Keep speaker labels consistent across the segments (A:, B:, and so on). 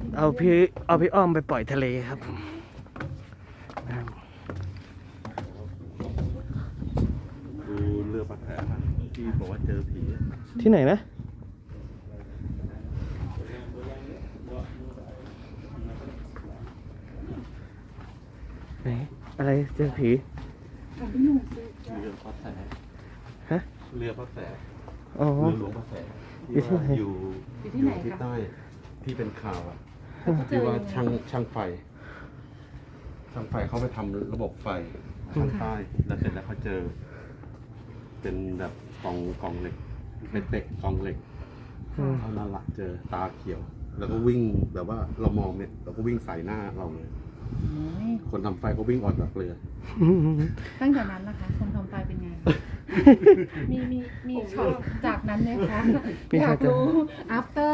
A: เอาพี่อ้อมไปปล่อยทะเลครับนะครับ
B: ดูเรือปลาแผลที่บอกว่าเจอผี
A: ที่ไหนนะไหนอะไรเจอผี
B: เรือพระแส
A: ฮะ
B: เรือพระแส
A: อ๋อ
B: เรือหลวงพระแส
A: อยู่ที่ไหน
B: อยู่ที่ใต้ที่เป็นข่าวอะที่ว่าช่างไฟเขาไปทำระบบไฟทางใต้แล้วเสร็จแล้วเขาเจอ เป็นแบบกองเหล็กเป็นเตะกองเหล็กเท่านั้นละเจอตาเขียว แล้วก็วิ่งแบบว่าเรามองเนี่ยเราก็วิ่งใส่หน้าเราเลยคนทำไฟก็วิ่งออกจากเรือ
C: ตั้งแต่นั้นนะคะคนทำไฟเป็นไง มีช็อตจากนั้นไหมคะ อยากรู้ after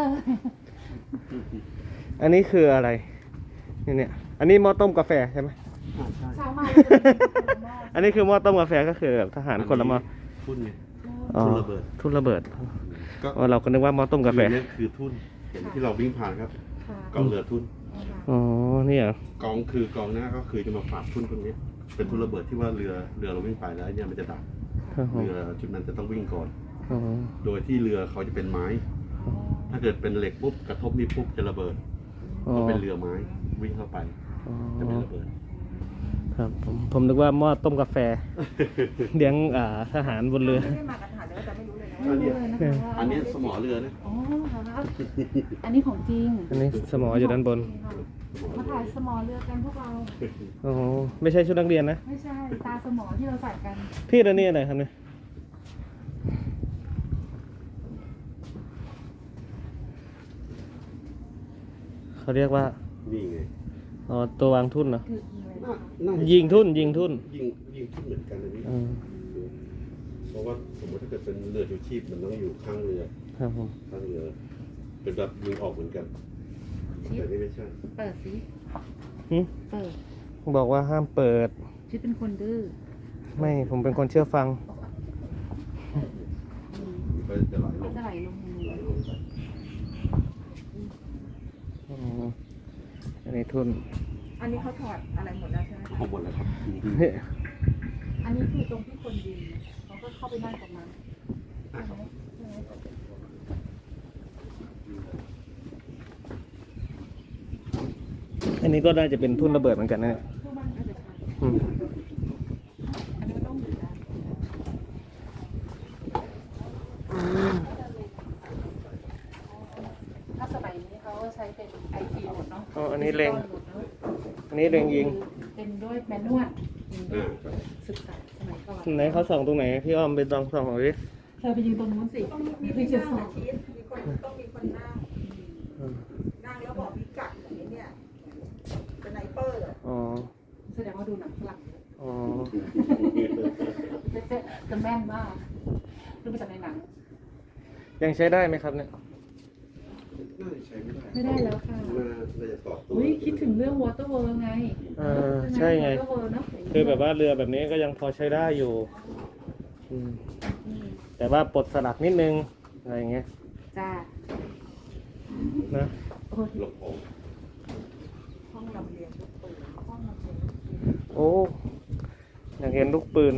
A: อันนี้คืออะไรเนี่ยอันนี้หม้อต้มกาแฟใช่ไหม
C: เช้ามา
A: อันนี้คือหม้อต้มกาแฟก็คือแบบทหารคนละหม้อ
B: ทุ่นไง
A: อ๋อ
B: ทุ่นระเบิด
A: ทุ่นระเบิด
B: ก็
A: อ๋อเราก็นึกว่าหม้อต้มกาแฟ
B: นี่คือทุ่นเห็นที่เราวิ่งผ่านครับ
C: ค่ะ
B: กองเรือทุ่น
A: อ๋อนี่เหรอก
B: องหน้าก็คือจะมาฝากทุ่นตรงนี้ เป็นทุ่นระเบิดที่ว่าเรือเราวิ่งไปแล้วเนี่ยมันจะดับ
A: ครับผม
B: เรือจุดนั้นจะต้องวิ่งก่อน
A: อ๋อ
B: โดยที่เรือเขาจะเป็นไม้ ถ้าเกิดเป็นเหล็กปุ๊บกระทบนี่ปุ๊บจะระเบิด
A: อ๋อ
B: เพราะเป็นเรือไม้วิ่งเข้าไป
A: อ๋อ
B: จะไม่ระเบิด
A: ครับผมนึกว่าหม้อต้มกาแฟ เลี้ยงทหารบนเรือ
D: ไม่ได้มากับทหารเดี๋ยวจะไม่รู้เลยนะ
C: ไม่
D: ว่า
C: รู้เลยนะคะว่า
B: อันนี้สมอเรือนะ
C: อ๋อครับอันนี้ของจริง
A: อันนี้สมออยู่ด้านบน
C: มาถ่ายสมอเรือกันพวกเรา
A: อ๋อไม่ใช่ชุดนักเรียนนะ
C: ไม่ใช่ตาสมอที่เราใส่กัน
A: พี่แล้วนี่อะไรครับเนี่ยเขาเรียกว่า
B: นี่ไง
A: อ๋อตัววางทุ่นเหรอ
C: คืออะไร
B: น่าจะ
A: ยิงทุ่นยิงทุ่น
B: ยิงทุ่นเหมือนกันอันนี้
A: อืม
B: เพราะว่าสมมติถ้าเกิดเป็นเรือชูชีพมันต้องอยู่ข้างเรือ
A: ครับผม
B: ข้างเรือ เป็นแบบยิงออกเหมือนกัน แต่นี่ไม่ใช่
C: เปิดสิ
A: หึ
C: เปิด
A: บอกว่าห้ามเปิด
C: ชิดเป็นคนดื้อ
A: ไม่ผมเป็นคนเชื่อฟัง
B: ก็จะไหลล
C: มัน
B: ง
C: จะไหลลง
B: ไหลลงไป
A: อ๋ออันนี้ทุ่น
D: อันนี้เขาถอดอะไรหมดแล้วใช่ไหม
B: เอาหมดแล้วครับ
A: เนี่ย
C: อันนี้คือตรงที่คนยืนเขาก็เข้าไปนั่งตรงนั้น
A: อันนี้ก็น่าจะเป็นทุ่นระเบิดเหมือนกันนะเนี่ย
C: พวกมันก็จะใช่
A: อืม
C: อันนี้ต้องอยู่ได้ถ้าสมัยนี้เขาใช้เป็นไอทีหมดเนาะ
A: อ๋ออันนี้เล็ง
C: หมดเนอะ
A: อันนี้เล็งยิง
C: เป็นด้วยแมนนวลยิงด้วยศึกษาสมัยก่อน
A: ไหนเขาส่องตรงไหนพี่อ้อมไปลองส่องเอาดิ
C: เธอไปยืนตรงนู้นสิ
D: ต้องมี
C: พี่
D: คน
C: จะ
D: นั่ง
C: สอ
D: นะ
C: บ
D: ชีสมีคนต้องมีคนนั่ง นั่งแล้วบอกพิกัดอย่างนี้เนี่ยเป็นไนเปอร์เหรอ
A: อ๋อ
C: แสดงว่าดูหนังฝรั่งเยอะ
A: อ๋อ
C: จะแม่นมากดูมาจากในหนัง
A: ยังใช้ได้ไหมครับเนี่ย
B: น่าจะใช้ไม่ได้
C: ไม่ได้แล้วค่ะ
B: น่าจะต่อตัว
C: อุ้ยคิดถึงเรื่อง Water World ไง
A: ใช่ไง
C: Water World เนอะ
A: คือแบบว่าเรือแบบนี้ก็ยังพอใช้ได้อยู่อืมแต่ว่าปลดสลักนิดนึงอะไรอย่างเงี้ย
C: จ้า
A: นะ
C: โอ้ย
B: หลบออก
D: ห้องลำเลียงลูกปืน
C: ห้องมันเป็น
A: โอ้อยากเห็นลูกปืน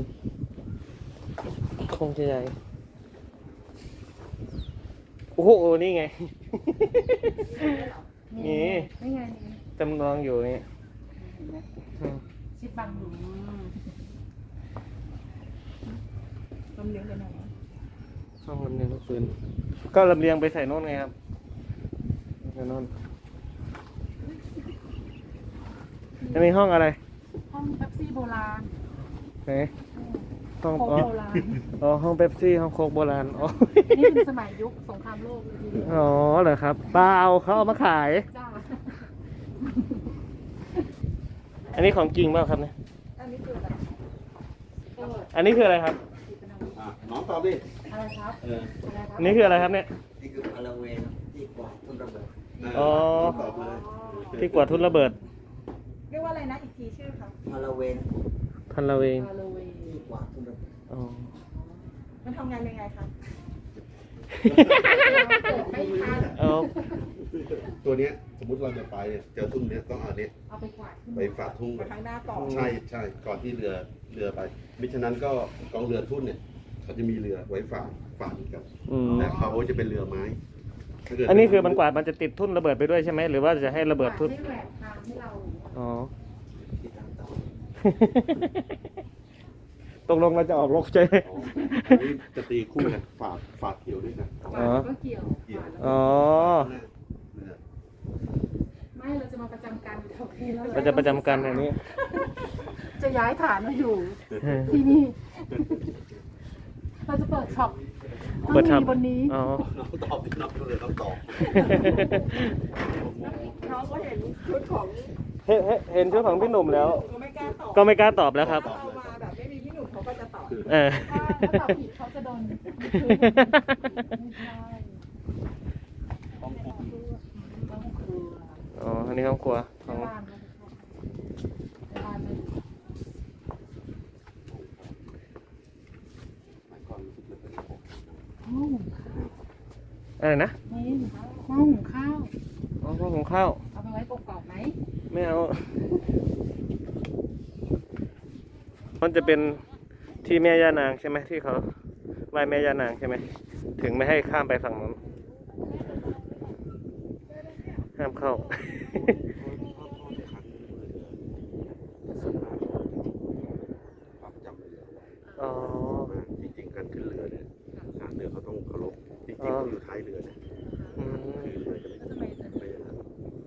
A: คงจะใหญ่โอ้โหนี่ไง นี่
C: นี่ไงนี่
A: จำลองอยู่นี่
C: เห็นไหม
A: อืม
C: ชิดบังอยู่
D: ลำเลียงไปไหน
A: ห้องลำเลียงลูกปืน ก็ลำเลียงไปใส่โน่นไงครับใส่โน่นอันนี้ห้องอะไร
C: ห้องเป๊ปซี่โบราณ
A: ไหนห้อง
C: โค้
A: อ๋
C: ก
A: อ
C: โบราณ
A: อ๋อห้องเป๊ปซี่ห้องโคกโบราณอ๋อ
C: นี่เป็นสมัยยุคสงครามโลกเลยทีเดียว
A: อ๋อเหรอครับเปล่าเขาเอามาขาย
C: จ้า
A: อันนี้ของจริงเปล่าครับเนี่ย
D: อันนี้คืออะไร
C: ก็
A: อันนี้คืออะไรครับ
C: เป็นอาวุธ
B: น้องตอบดิ
C: อะไรครับอะไรครั
A: อันนี้คืออะไรครับเนี่ย
E: นี่คือพาราเวนที่กวาดต้นระเบิด
A: อ๋อ
B: ตอบเลย
A: ที่กวาดทุ่นระเบิด
D: เรียกว่าอะไรนะอีกทีชื่อเขา
E: พาราเวน
A: พันละเวง
C: ฮาโลวีน
E: ที่กวาดต้นระเบิด
A: อ๋อ
D: มันทำงานยังไงคะ
C: ไม่ทัน
A: เอา
B: ตัวเนี้ยสมมุติเราจะไปเนี่ยเจอทุ่งเนี้ยต้องเอาเนี้ย
C: เอาไปกวาดขึ้น
B: ไปฝากทุ่ง
D: ไปข้างหน้าก่อน
B: ใช่ก่อนที่เรือไปมิฉะนั้นก็กองเรือทุ่นเนี่ยเขาจะมีเรือไว้ฝากกับ
A: อืม
B: แต่เขาจะเป็นเรือไม้ถ้าเกิด
A: อันนี้คือมันกวาดมันจะติดทุ่นระเบิดไปด้วยใช่ไหมหรือว่าจะให้ระเบิดทุ่น
C: ให้แหวกทางให้เรา
A: อ๋อ
E: ที่ตามต่อ
A: ตกลงเราจะออกรบใช่ไหม
B: อ๋ออันนี้จะตีคู่กันฝากเขียวด้วยนะ
C: กวาดก็เกี่ยวกวาดแล้ว
A: อ๋อ
B: เรือ
C: ไม่เราจะมาประจำการอยู่แถวนี้แล้ว
A: เราจะประจำการอันนี้
C: จะย้ายฐานมาอยู่ที่นี่ เราจะเปิดช็อป
A: เปิดท
C: บนนี้
A: ำอ๋อ
B: น้องตอบพี่น้องเลยต้องตอบ
D: น้องก็เห็นชุดของ
A: เห็นชุดของพี่หนุ่มแล้ว
D: ก็ไม่กล้าตอบ
A: ก็ไม่กล้าตอบแล้วครับ
D: ถ้าเรามาแบบไม่มีพี่หนุ่มเขาก็จะตอบ
A: เออ
C: ถ้าตอบผิดเขาจะโดนไม่ใช่ต้องครัว
A: อ๋อ อันนี้ห้องครัวข
C: ใน
A: อง
C: บ้านในบ้านไม่
B: หมายความรู้สึกเลยเป็นระบบ
C: ห้องหุงข้าว
A: อะไรนะ
C: นี่ห้องหุงข้าว
A: อ๋อห้องของข้าว
C: เอาไปไว้กรอบๆไหม
A: ไม่เอา มันจะเป็นที่แม่ย่านางใช่ไหมที่เขาไหว้แม่ย่านางใช่ไหมถึงไม่ให้ข้ามไปฝั่งนั้นห้ามเข้า
B: ความจำเรือ
A: อ๋อ
B: จริงๆการขึ้นเรือเนี่ยทหารเรือเขาต้องเคารพจริงๆต้องอยู่ท้ายเรือเนี่ย
A: อืม
B: คือเรือจะไม่อย่างนั้น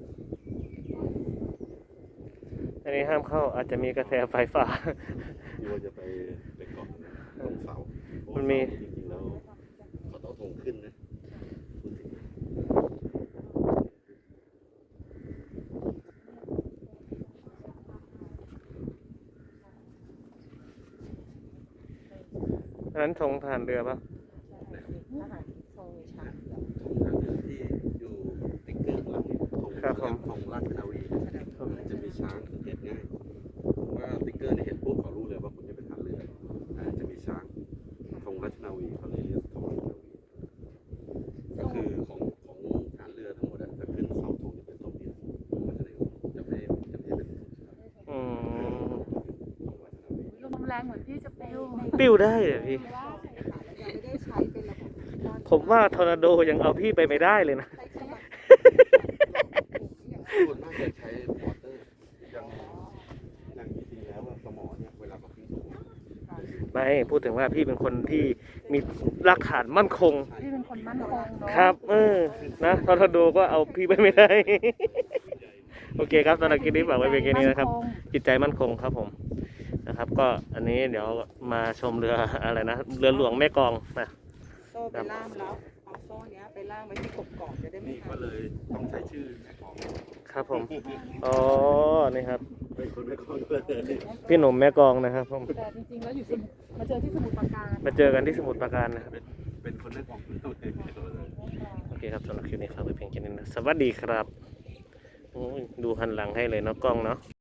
A: อันนี้ห้ามเข้าอาจจะมีกระแสไฟฟ้า
B: กลัวจะไปเกาะตรงเสา
A: มันมี
B: จริงๆแล้วเขาต้องทงขึ้นนะพูดถึง
A: อันนั้นธงทหารเรือปะ
D: ทหารทรงมีช้าง
B: ทงทางเรือที่อยู่ติ๊กเกอร์หลังทงราชนาวีจะมีช้างสังเกตง่ายว่าติ๊กเกอร์เนี่ยเห็นปุ๊บเขารู้เลยว่าคุณจะเป็นทหารเรือจะมีช้างธงราชนาวีเขาเลยเรียกธงราชนาวีก็คือของทหารเรือทั้งหมดจะขึ้นเสาธงจะเป็นธงเดียวจะไม่เป็นธงชาติ
A: อืม
C: ลมแรงเหมือนที่จะปลิว
A: ปิ้วได้เหรอพี่
D: ยังไม่ได้ใช้เป็นระบบด้าน
A: ผมว่าทอร์นาโดยังเอาพี่ไปไม่ได้เลยนะ
D: ใช้กำลัง
B: ส่วนมากจะใช้มอเตอร์อย่างจริงๆแล้วสมอเนี่ยเวลาเราขึ้นสูง
A: ไม่พูดถึงว่าพี่เป็นคนที่มีรากฐานมั่นคง
C: ที่เป็นคนมั่นคงเนาะ
A: ครับ นะทอร์นาโดก็เอาพี่ไปไม่ได้ โอเคครับสำหรับคลิปนี้ฝากไว้เพียงแค่นี้นะครับ จิตใจมั่นคงครับผมนะครับ ก็อันนี้เดี๋ยวมาชมเรืออะไรนะเรือหลวงแม่กลองนะ
D: โซ่ไปล่ามแล้วเอาโซ่เนี้ยไปล่ามไว้ที่กบกอกจะได้ไม่
B: นี่
D: ขา
B: ก็
D: ด
B: เลยต้องใช้ชื่อแม่กอง
A: ครับผมอ๋อนี่ครับ
B: เป็นคนแม่กองเลย
A: พี่หนุ่มแม่กลองนะครับผม
C: แต่จริงๆแล้วอยู่สมุทรมาเจอที่สมุทรปราการ
A: มาเจอกันที่สมุทรปราการนะครับ
B: เป็นคนแม่กองเลย
A: โอเคครับสำหรับคลิปนี้ฝากไว้เพียงแค่นี้นะสวัสดีครับโอ้ยดูหันหลังให้เลยเนาะกล้องเนาะ